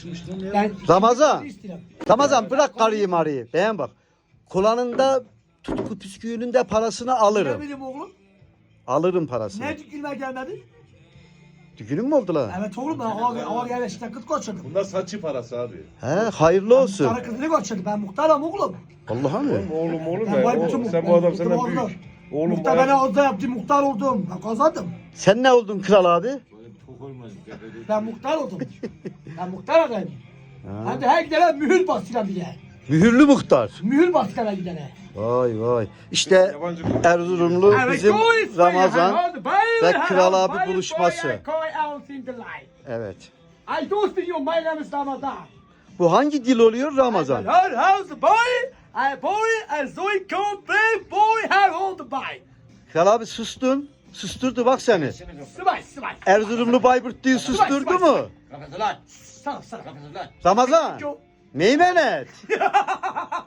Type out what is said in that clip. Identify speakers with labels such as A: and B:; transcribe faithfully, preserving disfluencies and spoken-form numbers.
A: Ben
B: Ramazan.
A: istiyorum.
B: Ramazan bırak karıyı marıyı. Beğen bak. Kulağında tutku püsküğünün de parasını
A: Ne
B: alırım.
A: bileyim oğlum?
B: Alırım parasını.
A: Ne dükülme gelmedi?
B: Düğünün mü oldu lan?
A: Evet oğlum ben hava, hava yerleşikten kıt koçladım.
C: Bunlar saçı parası abi.
B: He hayırlı olsun.
A: Muhtarın kızını koçladım. Ben muhtarım oğlum.
B: Allah'a mı?
C: Oğlum oğlum
A: Ben
C: ya.
A: vay
C: Oğlum,
A: bütün
C: sen
A: muhtar-
C: bu adam
A: bütün
C: senden
A: muhtar.
C: büyük. Oğlum
A: Muhtar
C: bayağı-
A: bana orada yaptı, muhtar oldum. Ben kazandım.
B: Sen ne oldun kral abi?
A: Ben muhtar oldum. Ben muhtar adayım.
B: Ha.
A: Hem de her gidene mühür bastıran bir de.
B: Mühürlü muhtar.
A: Mühür bastıran gidene.
B: Vay vay. İşte
C: Yabancı bir-
B: Erzurumlu bizim Ramazan ve Kral abi buluşması. Evet.
A: I do see you, my name is Ramazan.
B: Bu hangi dil oluyor Ramazan?
A: Her house boy, I boy, I zoy come brave boy, her old boy.
B: Kral abi sustun. Susturdu bak seni.
A: Sıvay sıvay.
B: Erzurumlu Bayburt diye susturdu mu?
A: Sana sana kapatırlar.
B: Ramazan. Meymenet.